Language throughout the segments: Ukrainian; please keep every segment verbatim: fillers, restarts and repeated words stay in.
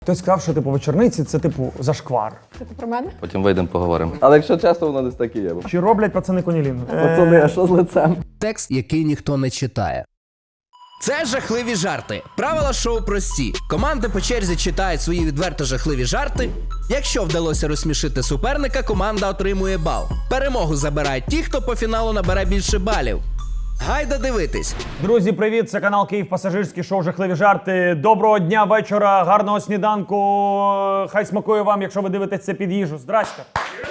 Хтось сказав, що типу вечорниці це типу зашквар. Це ти про мене? Потім вийдемо, поговоримо. Але якщо чесно, воно десь так і є. Чи роблять пацани конілінгу? Пацани, а що з лицем? Текст, який ніхто не читає. Це жахливі жарти. Правила шоу прості. Команди по черзі читають свої відверто жахливі жарти. Якщо вдалося розсмішити суперника, команда отримує бал. Перемогу забирають ті, хто по фіналу набере більше балів. Гайда дивитись. Друзі, привіт! Це канал Київ Пасажирський, шоу «Жахливі жарти». Доброго дня, вечора, гарного сніданку. Хай смакує вам, якщо ви дивитесь це під їжу. Здрасте!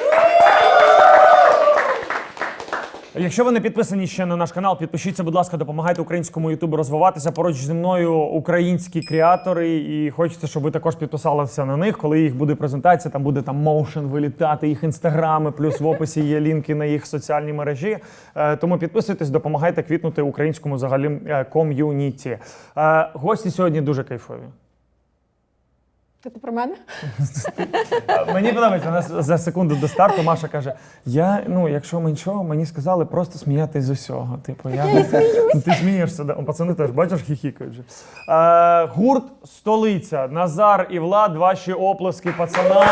Якщо ви не підписані ще на наш канал, підпишіться, будь ласка, допомагайте українському ютубу розвиватися. Поруч зі мною українські креатори, і хочеться, щоб ви також підписалися на них. Коли їх буде презентація, там буде там моушен вилітати, їх інстаграми, плюс в описі є лінки на їх соціальні мережі. Тому підписуйтесь, допомагайте квітнути українському взагалі ком'юніті. Гості сьогодні дуже кайфові. Це ти про мене? Мені подобається, у нас за секунду до старту Маша каже, я, ну, якщо мені що, мені сказали просто сміятись з усього. Типу, я, я і сміюсь. Ти смієшся, да? Пацани теж, бачиш, хіхікають вже. Е, гурт «Столиця». Назар і Влад, ваші оплески пацанам.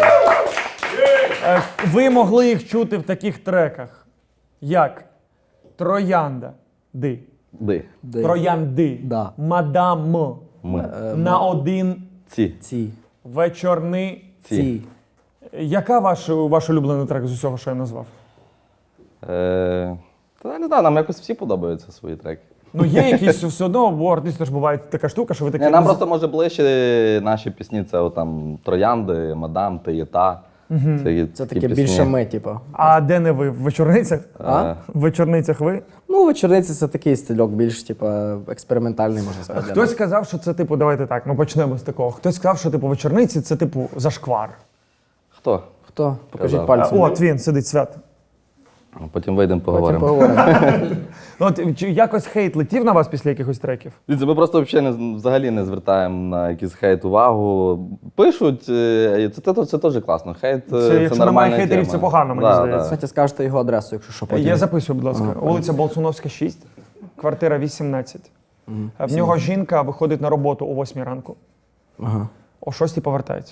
Е, ви могли їх чути в таких треках, як «Троянда», «Ди», Ди. Ди. «Троянди», Да. «Мадам», Ми. «На один», Ці. Ці. «Вечорни». Ці. Яка ваш, ваш улюблений трек з усього, що я назвав? Е, Та я не знаю, нам якось всі подобаються свої треки. Ну є якісь все одно, бо артистів ж буває така штука, що ви такі... Ні, нам просто може ближче наші пісні, це от, там Троянди, Мадам, Ти є та. Це, є Це такі таке пісні. більше ми, типу. А де не ви? В вечорницях? А? В вечорницях ви? Ну, вечорниці це такий стильок, більш, типу, експериментальний, можна сказати. для Хтось нас. сказав, що це типу, давайте так, ми почнемо з такого. Хтось сказав, що типу вечорниці це типу зашквар. Хто? Хто? Покажіть Казав. пальцем. А, от він сидить, Свят. Потім вийдемо, Потім поговоримо. поговоримо. Ну, от, чи якось хейт летів на вас після якихось треків? Дивіться, ми просто взагалі не, взагалі не звертаємо на якийсь хейт увагу. Пишуть, е, це, це, це теж класно. Хейт е, Це, це, якщо нормальна немає хейтерів, тема. це погано, мені Да, здається. да. Кстати, скажете його адресу, якщо що потім. Я записую, будь ласка. Ага, Вулиця Болсуновська, шість, квартира вісімнадцять. В нього жінка виходить на роботу о восьмій ранку, Ага. о шостій повертається.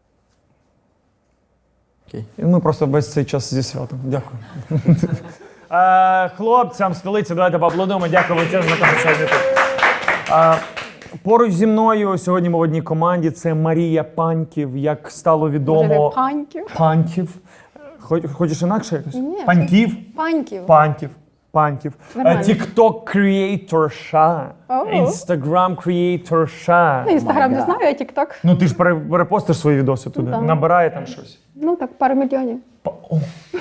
Окей. І ми просто весь цей час зі святом. Дякую. Е, Хлопцям столиці, давайте поаплодуємо. Дякую величезно, що сьогодні тут. Е, Поруч зі мною сьогодні ми в одній команді. Це Марія Паньків, як стало відомо. Може, паньків? Паньків. Хоч- Хочеш інакше якось? Ні, Паньків? Паньків. Паньків. Паньків. Нормально. Тікток креаторша. О. Інстаграм креаторша. Ну, Інстаграм не знаю, а Тікток. Ну ти ж пере- перепостиш свої відоси туди. да. Набирає там щось. Ну так, пару мільйонів. Па- о.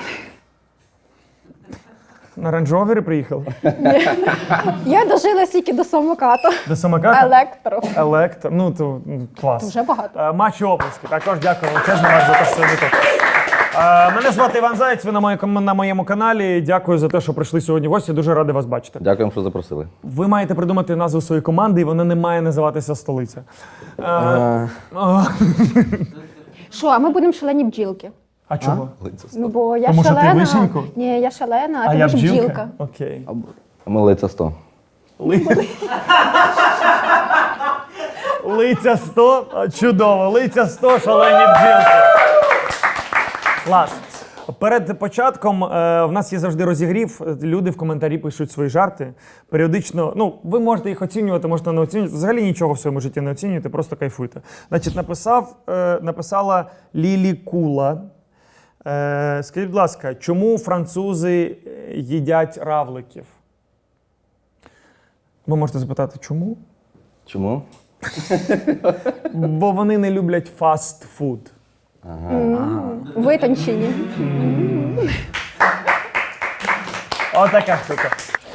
На рейндж-ровері приїхали? Я дожила стільки до самоката. До самоката? Електро. Електро. Ну, то м, клас. Вже багато. Е, Матчі оплески. Також дякую величезно вас за те, що сьогодні тут. Е, Мене звати Іван Заєць, ви на моєму, на моєму каналі. Дякую за те, що прийшли сьогодні в гості. Дуже радий вас бачити. Дякуємо, що запросили. Ви маєте придумати назву своєї команди, і вона не має називатися «Столиця». Е, Е, о, Що, а ми будемо шалені бджілки? А чого? Ну, бо я Тому що ти шалена. вишеньку? Ні, я шалена, а, А ти я ж бджілка? бджілка. Окей. Ми лиця сто. Ли- Лиця сто. А, чудово. Лиця сто, шалені бджілки. Клас. Перед початком е, в нас є завжди розігрів. Люди в коментарі пишуть свої жарти. Періодично, ну, ви можете їх оцінювати, можете не оцінювати. Взагалі нічого в своєму житті не оцінюєте, просто кайфуйте. Значить, написав, е, написала Лілі Кула. Е, скажіть, будь ласка, чому французи їдять равликів? Ви можете запитати, чому? Чому? Бо вони не люблять фастфуд. Витончені. Отака штука.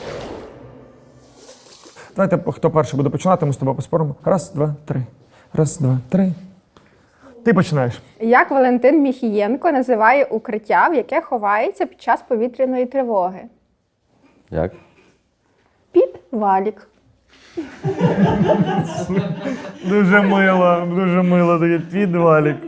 Давайте, хто перший буде починати, ми з тобою поспоримо. Раз, два, три. Раз, два, три. Ти починаєш. Як Валентин Міхієнко називає укриття, в яке ховається під час повітряної тривоги? Як? Підвалік. Дуже мило, дуже мило, такий підвалік.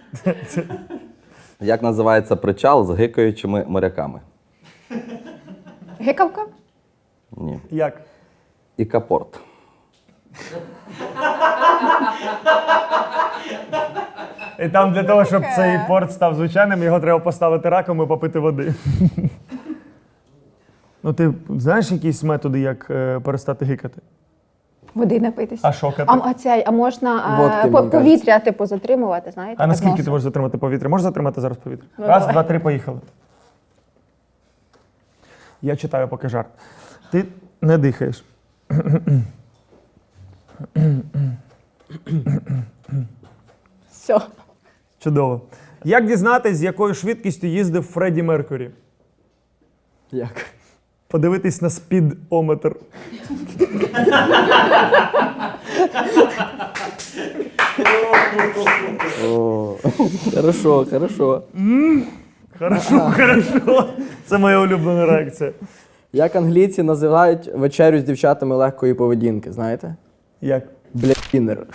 Як називається причал з гикаючими моряками? Гикавка? Ні. Як? Ікапорт. І там для того, щоб Таке. цей порт став звичайним, його треба поставити раком і попити води. Ну, ти знаєш якісь методи, як е, перестати гикати? Води напитись. А шокати? А, а, цей, а можна Водки, а, по- мені повітря, типу, затримувати, знаєте? А так наскільки носом. ти можеш затримати повітря? Можеш затримати зараз повітря? Ну, Раз, давай. два, три, поїхали. Я читаю поки жарт. Ти не дихаєш. Все. Чудово. Як дізнатись, з якою швидкістю їздив Фредді Меркурі? Як? Подивитись на спідометр. О, хорошо, хорошо. Хорошо, хорошо. Це моя улюблена реакція. Як англійці називають вечерю з дівчатами легкої поведінки, знаєте? Як? Блядінер.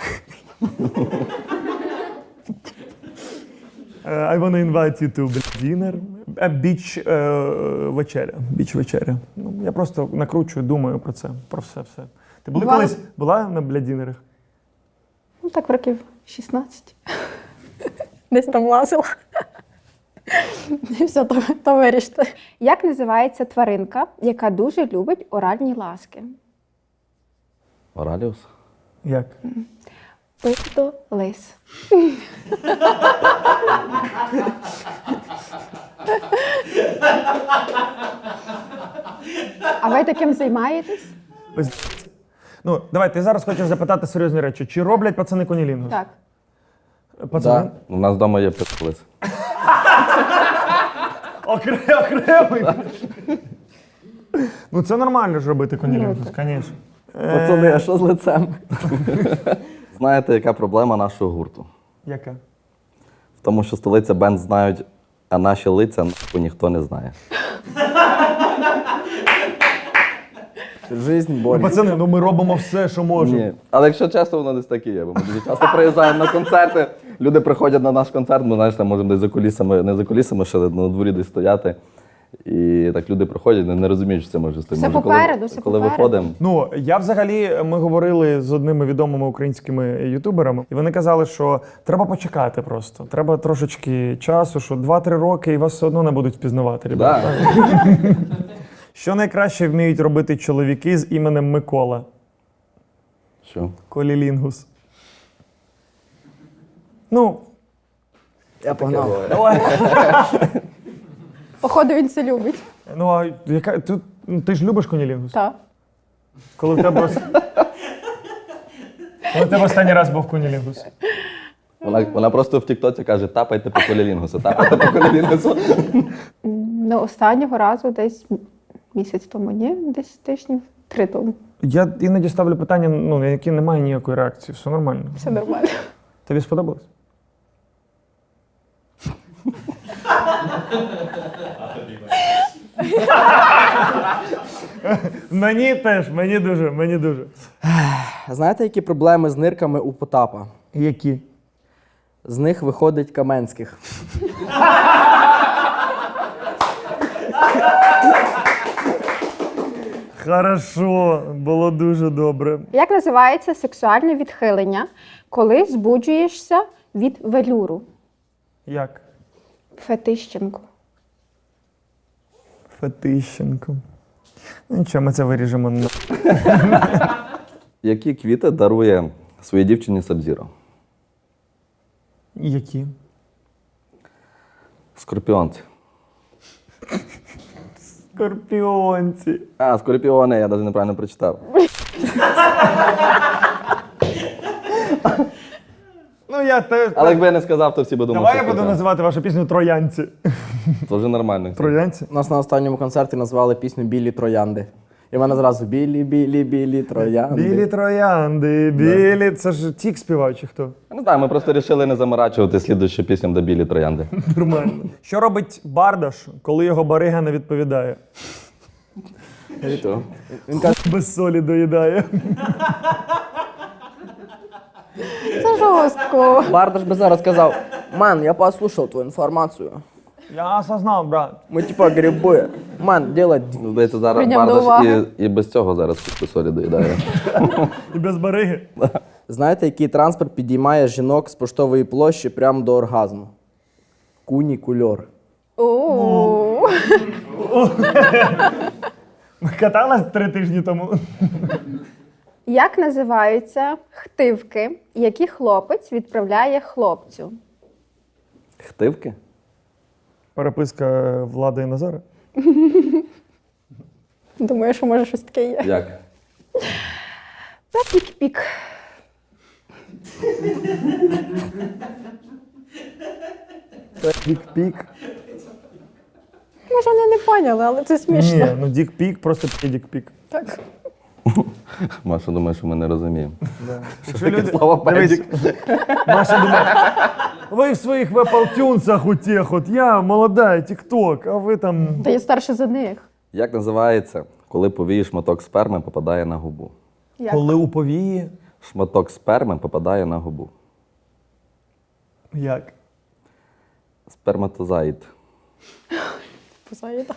Е, I wanna invite you to dinner. А біч е, вечеря. Біч вечеря. Ну, я просто накручую, думаю про це, про все все. Ти були Бувало. колись була на блядінерах? Ну, так років шістнадцять. Десь там лазила. І все, то, то виріште. Як називається тваринка, яка дуже любить оральні ласки? Ораліус? Як? Пито лис. А ви таким займаєтесь? Пиздець. Ну, давай, ти зараз хочеш запитати серйозні речі. Чи роблять пацани конілінгус? Так. Пацани? У нас вдома є пистолет. Окре- Окремий. Ну це нормально ж робити конілінгус, звісно. Пацани, а що з лицем? Знаєте, яка проблема нашого гурту? Яка? В тому, що столиця бенд знають, а наші лиця нахуй ніхто не знає. Жизнь, боль. Ну, пацани, ну ми робимо все, що можемо. Ні. Але якщо чесно, воно десь таке є. Бо ми дуже часто приїжджаємо на концерти, люди приходять на наш концерт, ми знаєш, там можемо десь за кулісами, не за кулісами, ще на дворі десь стояти. І так люди приходять, не, не розуміють, що це може стоїти. Все Може, попереду, коли, все коли попереду. виходимо. Ну, я взагалі, ми говорили з одними відомими українськими ютуберами, і вони казали, що треба почекати просто. Треба трошечки часу, що два-три роки і вас все одно не будуть впізнавати. ребята. Да. Що найкраще вміють робити чоловіки з іменем Микола? Що? Колілінгус. Ну, Я погнав. Походу, він це любить. ну а яка тут ну, ти ж любиш конілінгус? Так. Коли в тебе ос- Коли в тебе останній раз був конілінгус? Вона, вона просто в Тіктоці каже, тапайте по колілінгусу, тапайте по колілінгусу. Ну, останнього разу десь місяць тому, ні, десь тижнів три тому. Я іноді ставлю питання, ну, на які немає ніякої реакції. Все нормально. Все нормально. Тобі сподобалось? Мені теж, мені дуже, мені дуже. Знаєте, які проблеми з нирками у Потапа? Які? З них виходить Каменських. Хорошо, було дуже добре. Як називається сексуальне відхилення, коли збуджуєшся від велюру? Як? Фетищенко. Фетищенко. Ну нічого, ми це виріжемо. на- Які квіти дарує своїй дівчині Сабзіро? Які? Скорпіонці. Скорпіонці. А, скорпіони, я навіть неправильно прочитав. Ну я теж. Але якби я не сказав, то всі би думали, Давай я що буду це. називати вашу пісню Троянці. Це вже нормально. Троянці? У нас на останньому концерті назвали пісню Білі троянди. І в мене зразу білі, білі, білі троянди. Білі троянди, білі. Це ж тік співав чи хто? Я не знаю, ми просто вирішили не заморачувати слідуючу пісню до білі троянди. Нормально. Що робить бардаш, коли його барига не відповідає? Що? Він каже, Без солі доїдає. Це жорстко. Бардаш би зараз сказав, ман, я послухав твою інформацію. Я осознав, брат. Ми типа гриби. Ман, делать. Здається, зараз Прийняв до Бардаш уваги. і, і без цього зараз куску солі доїдає. І без бариги. Знаєте, який транспорт підіймає жінок з поштової площі прямо до оргазму? Кунікульор. У. Каталась три тижні тому. Як називаються хтивки, які хлопець відправляє хлопцю? Хтивки? Переписка Влади і Назара. Думаю, що може щось таке є. Як? Та пік-пік. Дік-пік. Може, вони не поняли, але це смішно. Ні, ну дік-пік, просто дік-пік. Так. Маша думає, що ми не розуміємо. Якщо люди... слово Дивись, «педик»? Маша думає, ви в своїх вепалтюнсах у тих, от я молода, тік-ток, а ви там... Та я старше за них. Як називається, коли повії шматок сперми попадає на губу? Як? Коли у повії, Шматок сперми попадає на губу. як? Сперматозоїд. Позаїда.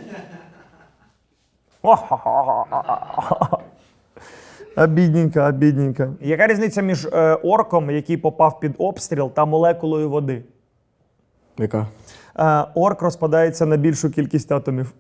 Обідненько, обідненько. Яка різниця між е, орком, який попав під обстріл, та молекулою води? Яка? Е, орк розпадається на більшу кількість атомів.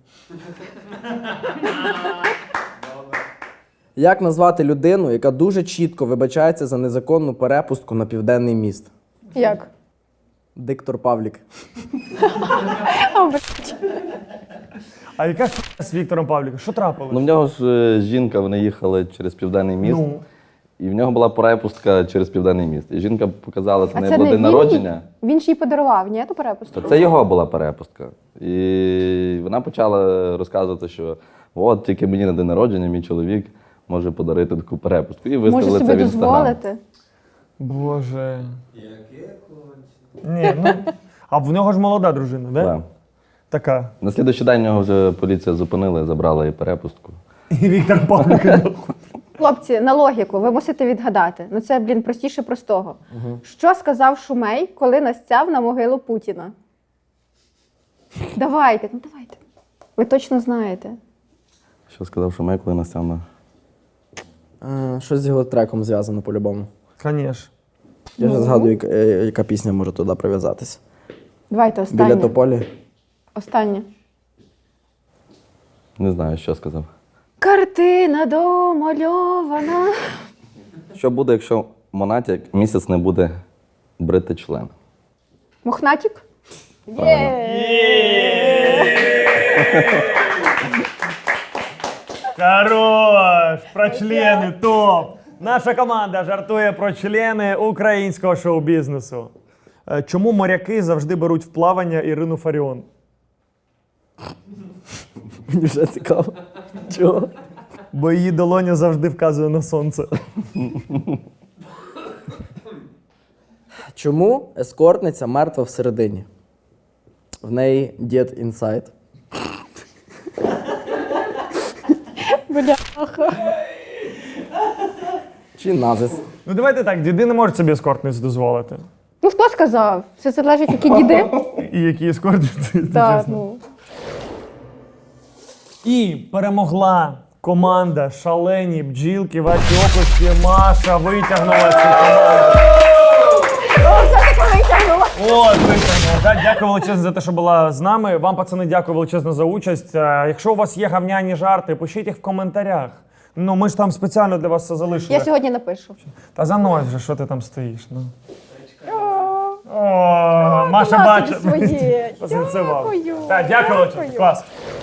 Як назвати людину, яка дуже чітко вибачається за незаконну перепустку на південний міст? Як? Диктор Павлік. О, блядь. А яка хуйня з Віктором Павліком? Що трапилось? Ну, в нього ж е, жінка, вони їхали через Південний міст. Ну. І в нього була перепустка через Південний міст. І жінка показала, це А не це було не день він? народження. Він ж їй подарував, ні, ту перепустку? То це його була перепустка. І вона почала розказувати, що от тільки мені на день народження мій чоловік може подарити таку перепустку. І Може виставили це собі в інстаграм. дозволити? Боже. Яке конче. Ні, ну. А в нього ж молода дружина, да? Да. Така. На слідуючий день його вже поліція зупинила і забрала їй перепустку. І Віктор Павлік. Хлопці, на логіку, ви мусите відгадати. Ну це, блін, простіше простого. Що сказав Шумей, коли настяв на могилу Путіна? Давайте, ну давайте. Ви точно знаєте. Що сказав Шумей, коли настяв на... А, щось з його треком зв'язано по-любому. Звісно. Я вже згадую, яка, е, яка пісня може туди прив'язатися. Давайте, останнє. Біля тополі. Останнє. Не знаю, що сказав. Картина домальована. Що буде, якщо Монатік місяць не буде брити член? Мохнатік? Хорош! Про члени, топ! Наша команда жартує про члени українського шоу-бізнесу. Е, Чому моряки завжди беруть в плавання Ірину Фаріон? Мені вже цікаво. Чого? Бо її долоня завжди вказує на сонце. Чому ескортниця мертва всередині? В неї дід інсайд. Бляха. Чи назис? Ну давайте так, діди не можуть собі ескортниць дозволити. Ну хто сказав? Це залежить, які діди. І які ескортниці, Так, чесно. ну. І перемогла команда «Шалені бджілки». Ваші оплески. Маша витягнула цю команду. О, все-таки витягнула. От, витягнула. Да, дякую величезно за те, що була з нами. Вам, пацани, дякую величезно за участь. А якщо у вас є гавняні жарти, пишіть їх в коментарях. Ну, ми ж там спеціально для вас все залишили. Я сьогодні напишу. Та занось вже, що ти там стоїш. Ну. О, О, Маша класно бачить. своє. Посинцював. Дякую. Так, дякую величезно. Дякую. Клас.